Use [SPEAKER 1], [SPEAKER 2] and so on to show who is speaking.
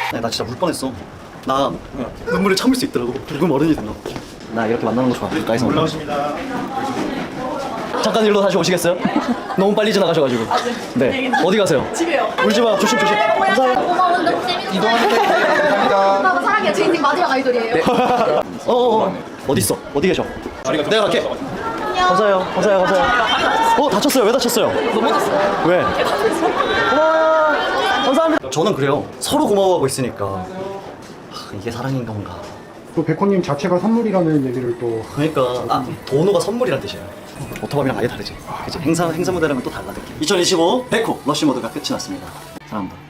[SPEAKER 1] 나 진짜 울 뻔했어. 나 눈물을 참을 수 있더라고. 조금 어른이 됐나 봐. 나 이렇게 만나는 거 좋아. 가까이서.
[SPEAKER 2] 올라오십니다.
[SPEAKER 1] 잠깐 일로 다시 오시겠어요? 너무 빨리 지나가셔가지고. 네. 어디 가세요?
[SPEAKER 3] 집에요.
[SPEAKER 1] 울지 마. 조심 조심. 감사해요.
[SPEAKER 3] 고마운데 혹시
[SPEAKER 2] 이동하는 감사합니다.
[SPEAKER 3] 오빠가 사랑해요. 제 인생 마지막 아이돌이에요.
[SPEAKER 1] 어디 있어? 어디 계셔? 내가 갈게. 감사해요. 감사해요. 감사해요. 다쳤어요. 왜 다쳤어요?
[SPEAKER 3] 넘어졌어요.
[SPEAKER 1] 왜? 고마워요. 감사합니다. 저는 그래요. 서로 고마워하고 있으니까 이게 사랑인 건가?
[SPEAKER 4] 또 백호님 자체가 선물이라는 얘기를 또
[SPEAKER 1] 그러니까 도노가 선물이란 뜻이에요. 오토바이랑 아예 다르지. 그치? 행사 무대랑은 또 달라 느낌. 2025 백호 러쉬 모드가 끝이 났습니다. 사랑합니다.